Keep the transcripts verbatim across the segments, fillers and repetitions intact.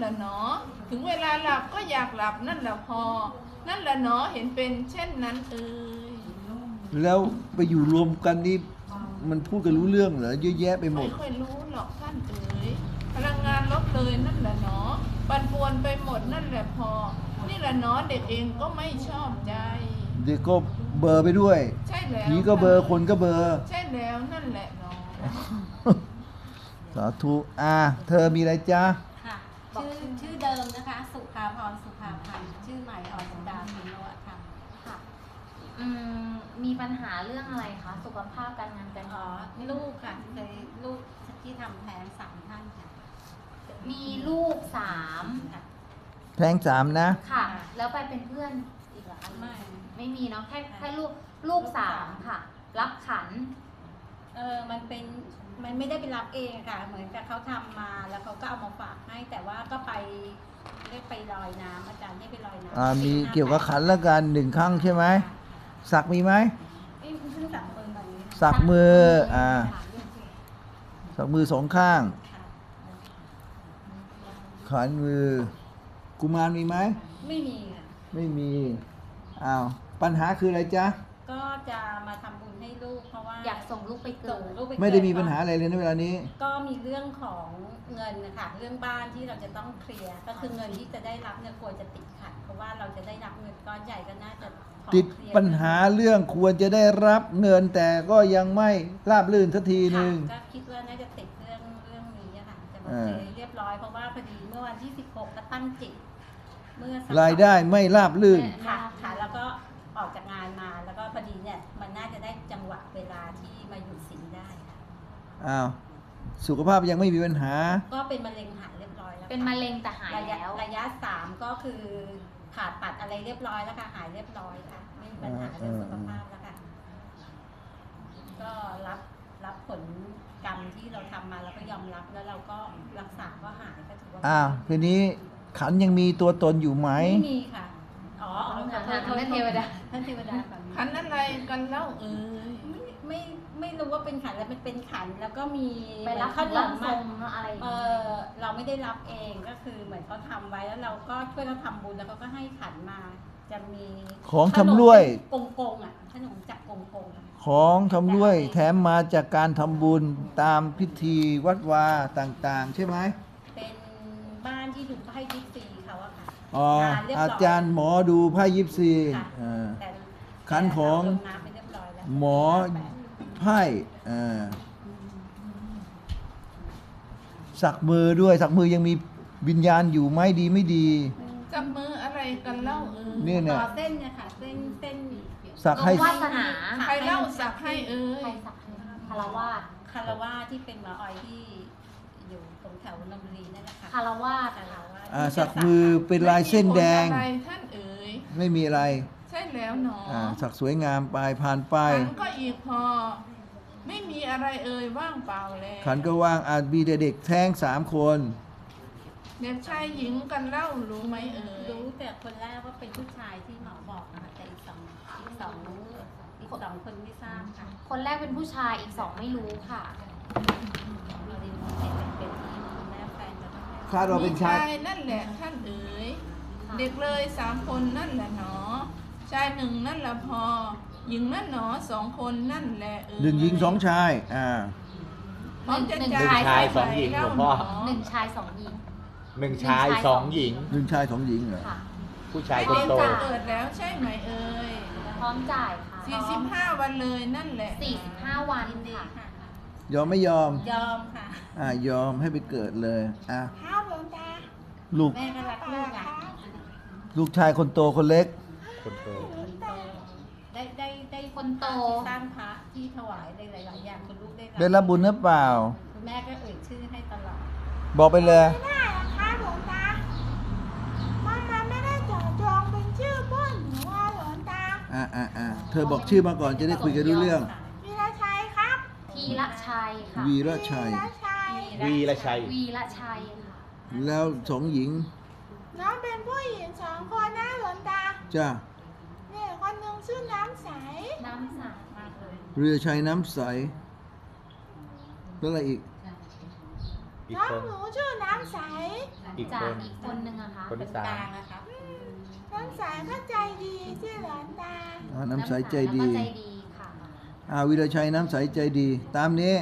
แหละเนาะถึงเวลาหลับก็อยากหลับนั่นแหละพอนั่นแหละเนาะเห็นเป็นเช่นนั้นเอ่ยแล้วไปอยู่รวมกันนี่มันพูดกันรู้เรื่องเหรอเยอะแยะไปหมดไม่ค่อยรู้หรอกท่านเอ๋ยพลังงานลดเลยนั่นแหละเนาะปั่นป่วนไปหมดนั่นแหละพอนี่แหละเนาะเด็กเองก็ไม่ชอบใจเด็กก็เบอร์ไปด้วยใช่แล้วผีก็เบอร์คนก็เบอร์ใช่แล้วนั่นแหละเนาะสาธุอ่าเธอมีอะไรจ๊ะค่ะชื่อชื่อเดิมนะคะสุภาพรสุภาพันธ์ชื่อใหม่อรดาพินวัฒน์ค่ะค่ะอืมมีปัญหาเรื่องอะไรคะสุขภาพการงานการอ๋อเงินลูกค่ะเคยลูกที่ทำแท้งสามท่านค่ะมีลูกสามค่ะแท้งสามนะค่ะแล้วไปเป็นเพื่อนอีกเหรอคะไม่ไม่มีเนาะแค่แค่ลูกลูกสามค่ะ รับขันเออมันเป็นมันไม่ได้ไปรับเองค่ะเหมือนกับเขาทำมาแล้วเขาก็เอามาฝากให้แต่ว่าก็ไปเรียกไปลอยน้ำอาจารย์ให้ไปลอยน้ำอ่ามีเกี่ยวกับขันแล้วกันหนึ่งครั้งใช่ไหมสักมีไหมเอ้ยเพิ่งสักมือแบบนี้สักมืออ่าสักมือสองข้างขันมือกุมารมีไหมไม่มีค่ะไม่มีอ้าวปัญหาคืออะไรจ๊ะก็จะมาทำบุญให้ลูกเพราะว่าอยากส่งลูกไปเกิดไม่ได้มีปัญหาอะไรเลยในเวลานี้ก็มีเรื่องของเงินนะคะเรื่องบ้านที่เราจะต้องเคลียร์ก็คือเงินที่จะได้รับเนี่ยควรจะติดขัดเพราะว่าเราจะได้รับเงินก้อนใหญ่ก็น่าจะติดปัญหาเรื่องควรจะได้รับเงินแต่ก็ยังไม่ราบรื่นสักทีหนึ่งก็คิดว่าน่าจะติดเรื่องเรื่องนี้ค่ะจะมาเคลียร์เรียบร้อยเพราะว่าพอดีเมื่อวันที่สิบหกก็ตั้งจิตเมื่อรายได้ไม่ราบรื่นค่ะค่ะแล้วก็ออกจากงานมาแล้วก็พอดีเนี่ยมันน่าจะได้จังหวะเวลาที่มาอยู่สิงได้ค่ะอ้าวสุขภาพยังไม่มีปัญหาก็เป็นมะเร็งหายเรียบร้อยแล้วเป็นมะเร็งแต่หายแล้วระยะสามก็คือผ่าตัดอะไรเรียบร้อยแล้วค่ะหายเรียบร้อยค่ะไม่มีปัญหาเรื่องสุขภาพแล้วค่ะก็รับรับผลกรรมที่เราทำมาแล้วก็ยอมรับแล้วเราก็รักษาก็หายก็ถือว่าอ้าวทีนี้ขันยังมีตัวตนอยู่ไหมไม่มีค่ะอ๋อท่านเทวดาท่านเทวดาขันอะไรกันเล่าเอ่ยไม่ไม่รู้ว่าเป็นขันแล้วมันเป็นขันแล้วก็มีไปรับขนมมาอะไรเออเราไม่ได้รับเองก็คือเหมือนเขาทำไว้แล้วเราก็ช่วยเขาทำบุญแล้วเขาก็ให้ขันมาจะมีของชำร่วยกงกงอ่ะขนมจากกงกงของชำร่วยแถมมาจากการทำบุญตามพิธีวัดวาต่างๆใช่ไหมเป็นบ้านที่ดูไพ่ยิปซีเขาอะค่ะอ๋ออาจารย์หมอดูไพ่ยิปซีขันของหมอไพ่สักมือด้วยสักมือยังมีวิญญาณอยู่ไหมดีไม่ดีจับมืออะไรกันเล่าเอ่ยเนี่ยเนี่ยเส้นเนี่ยค่ะเส้นเส้นสักให้วาสนาใครเล่าสักให้เอ่ยคารวาสคารวาสที่เป็นหมอออยที่อยู่ตรงแถวนนทบุรีนั่นแหละค่ะคารวาสอ่าสักมือเป็นลายเส้นแดงท่านเอ๋ยไม่มีอะไรใช่แล้วหนออ่าสักสวยงามไปผ่านไปขันก็อีกพอไม่มีอะไรเอ่ยว่างเปล่าแล้วขันก็ว่างอาจมีเด็กแท้งสามคนเด็กชายหญิงกันเล่ารู้ไหมเอ่ยรู้แต่คนแรกว่าเป็นผู้ชายที่หมอบอกนะคะแต่อีกสองอีกสองอีกสองคนไม่ทราบค่ะคนแรกเป็นผู้ชายอีกสองไม่รู้ค่ะเราเรียนเป็นเป็นที่คุณแม่แฟนจะไม่ให้คาดว่าเป็นชายนั่นแหละท่านเอ๋ยเด็กเลยสามคนนั่นแหละหนอชายหนึ่งนั่นแหละพอหญิงนั่นหนอสองคนนั่นแหละเอ๋ยหนึ่งหญิงสองชายอ่าหนึ่งชายสองหญิงหลวงพ่อหนึ่งชายสองหญิงหนึ่งชายสองหญิงหนึ่งชายสองหญิงเหรอผู้ชายคนโตเกิดแล้วใช่ไหมเอ่ยพร้อมจ่ายค่ะสี่สิบห้าวันเลยนั่นแหละสี่สิบห้าวันค่ะยอมไม่ยอมยอมค่ะอ่ายอมให้ไปเกิดเลยอ่ะลูกแม่ก็รักลูกอ่ะลูกชายคนโตคนเล็กคนโตได้ได้ได้คนโตสร้างพระที่ถวายได้หลายๆอย่างคุณลูกได้ได้รับบุญหรือเปล่าคุณแม่ก็เอ่ยชื่อให้ตลอดบอกไปเลยไม่ได้นะคะหลวงตามันมันไม่ได้เจาะจงเป็นชื่อบ้านหนูว่าหลวงตาอ่าอ่าอ่าเธอบอกชื่อมาก่อนจะได้คุยกันรู้เรื่องวีระชัยครับวีระชัยค่ะวีระชัยวีระชัยวีระชัยค่ะแล้วสองหญิงน้องเป็นผู้หญิงสองคนนะหลวงตาจ้าเนี่ยคนหนึ่งชื่อน้ำใสน้ำใสเรือชัยน้ำใสแล้วอะไรอีกน้องหนูชื่อน้ำใสอีกจาคกนอีกคนนึงอะคะคนที่กสามลางนะครับน้ำใสก็ใจดีชื่อหลอนตาอ่าน้ำใสใจดีแล้วก็ใจดีค่ะอาวิรชัยน้ำใสใจดี ตามนี้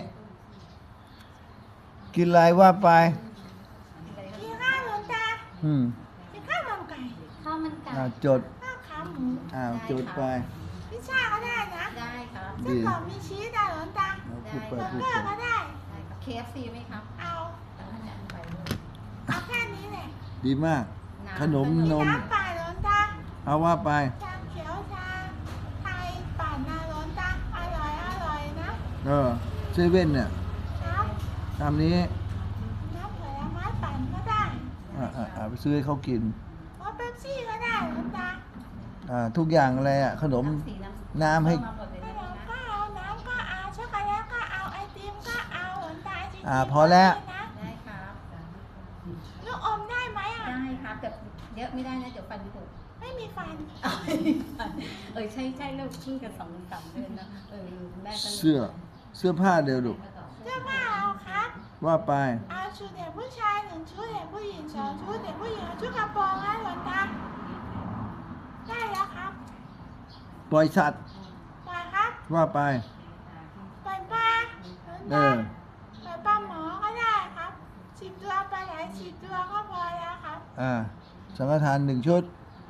กินอะไรว่าไปกินข้าวหลอนตาอืมกินข้าวมันไก่ข้าวมันไก่อ่าจดข้าวขาหมูอ่าจดไปพิซซ่าก็ได้นะได้ครับดีไส้กรอกมีชีสนะหลอนตาพูดไปเบอร์พูดเกอไปร์ก็ได้ได้ครับ เค เอฟ ซี ไหมครับเอาเอาอาจารย์ไปด้วยเอาแค่นี้แหละดีมากำขนมนมน้ำป่าหลอนตาเอาว่าไปชาเขียวชาไทยปั่นนะหลอนตาอร่อยอร่อยนะเออเซเว่นเนี่ยครับตามนี้น้ำผลไม้ปั่นก็ได้อ่าอ่าอ่าไปซื้อให้เขากินว่าเป๊ปซี่ก็ได้หลอนตาอ่าทุกอย่างอะไรอ่ะ ขนมน้ำสีน้ำน้ำให้เพิ่มมาหมดเลยขนะนมก็เอาน้ำก็เอาช็อกโกแลตก็เอาไอติมก็เอาหลอนตาไอติมอ่าพอแล้วนะได้ครับลูกอมได้ไหมอ่ะได้ครับแต่เยอะไม่ได้นะเดี๋ยวฟันผุไม่มีฟันเออใช่ใช่ลูกเพิ่งกันสองสามเดือนนะเออแม่ก็ลยเสื้อ เสื้อผ้าเดียวลูกเสื้อผ้าเอาครับว่าไปเอาชุดเด็กผู้ชายหนึ่งชุดเด็กผู้หญิงสองชุดเด็กผู้หญิงเอาชุดกระโปรงนะหลอนตาได้แล้วครับปล่อยสัตว์ปล่อยครับว่าไปปล่อยปลาหลอนเอตาอปล่อยปลาหมอก็ได้ครับสิบตัวปลาไหลสิบตัวก็พอแล้วครับอ่า สังฆทานหนึ่งชุด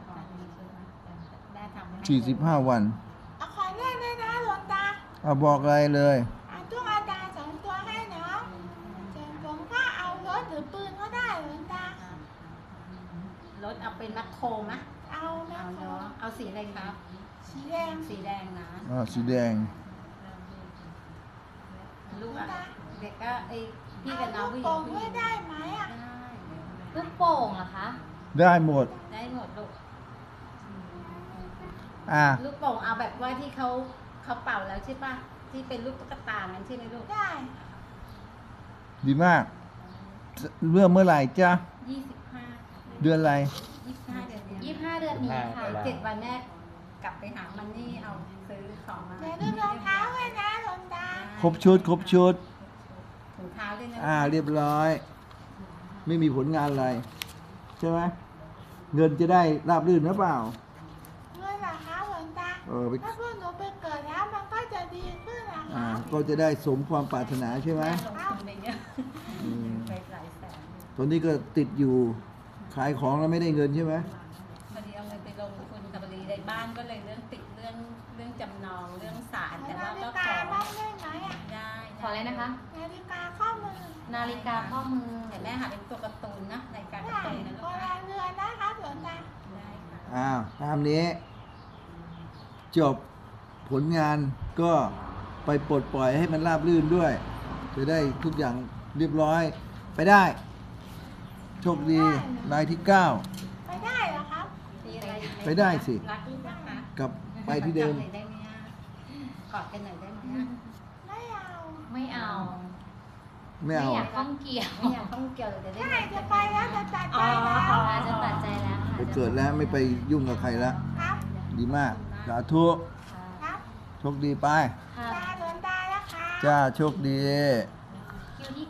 ได้ทำให้สี่สิบห้าวันเอาขอเล่นด้วยนะหลวงตาเอาบอกอะไรเลยเอาตุ๊กตาสองตัวให้น้องส่วนผมก็เอารถหรือปืนก็ได้หลวงตารถเอาเป็นแมคโครมะเอานะเอาครัเนาะบเอาสีอะไรครับสีแดงสีแดงนะอ่า สีแดงลูกอ่ะเด็กก็ไอพี่เอากับน้องลูกผู้หญิโป่งงผู้หด้วญิยงได้ไหมอ่ะได้ลูกโป่งเหรอคะได้หมดได้หมดลูกอ่าลูกโป่งเอาแบบว่าที่เขาเขาเป่าแล้วใช่ปะที่เป็นลูกตุ๊กตานั้นใช่ไหมลูกได้ดีมาก เมื่อเมื่อไหร่จ้ายี่สิบห้าเดือนอะไรยี่สิบห้าเดือนเนี้ยยี่สิบห้าเดือนนี้ค่ะเจ็ดวันแม่กลับไปหามันนี่เอาซื้อของมาเดี๋ยวดูรองเท้าไว้นะหลวงตาครบชุด ครบชุดถุงเท้าด้วยนะอ่า เรียบร้อย ไม่มีผลงานอะไร ใช่ไหม เงินจะได้ราบรื่นหรือเปล่าเงินเหรอคะหลวงตาเออไปถ้าพวกหนูไปเกิดแล้วมันก็จะดีขึ้นนะอ่าคะก็จะได้สมความปรารถนาใช่ไหมแม่ลงทุนไปเยอะอืมไปหลายแสนตอนนี้ก็ติดอยู่ ขายของแล้วไม่ได้เงินใช่ไหมพอดีเอาเงินไปลงทุนกับพอดีในบ้านก็เลยเรื่องติดเรื่องเรื่องจำนองเรื่องศาลแต่นาเราฬิก็กาขอบ้างได้ไหมอ่ะได้ขออะไรนะคะนาฬิกาข้อมือนาฬิกาข้อมือแต่แม่หาเป็นตัวการ์ตูนนะในการการ์ได้ตูนนะโบลูกรานะณเรือนนะครับหลวงตาได้ค่ะอ้าว ตามนี้ จบผลงานก็ไปปลดปล่อยให้มันราบรื่นด้วย จะได้ทุกอย่างเรียบร้อย ไปได้ โชคดีรายที่เก้าไปได้เหรอครับมีอะไรอีกหมไปได้สิรักลูกนะคะกลับไปที่เดิมจับหน่อยได้ไหมอะกอดกันหน่อยได้ไหมอะไม่เอาไม่เอาไม่เอาอยากข้องเกี่ยวไม่อยากต้องเกี่ยวเลยจะได้ได้จะไปแล้วจะตัดใจแล้วอาจะตัดใจแล้วค่ะไปเกิดแล้วไม่ไปยุ่งกับใครแล้วครับดีมาก สาธุค่ะครับโชคดีไปค่ะตาหลวงตาแล้วค่ะจ้า โชคดีคิวที่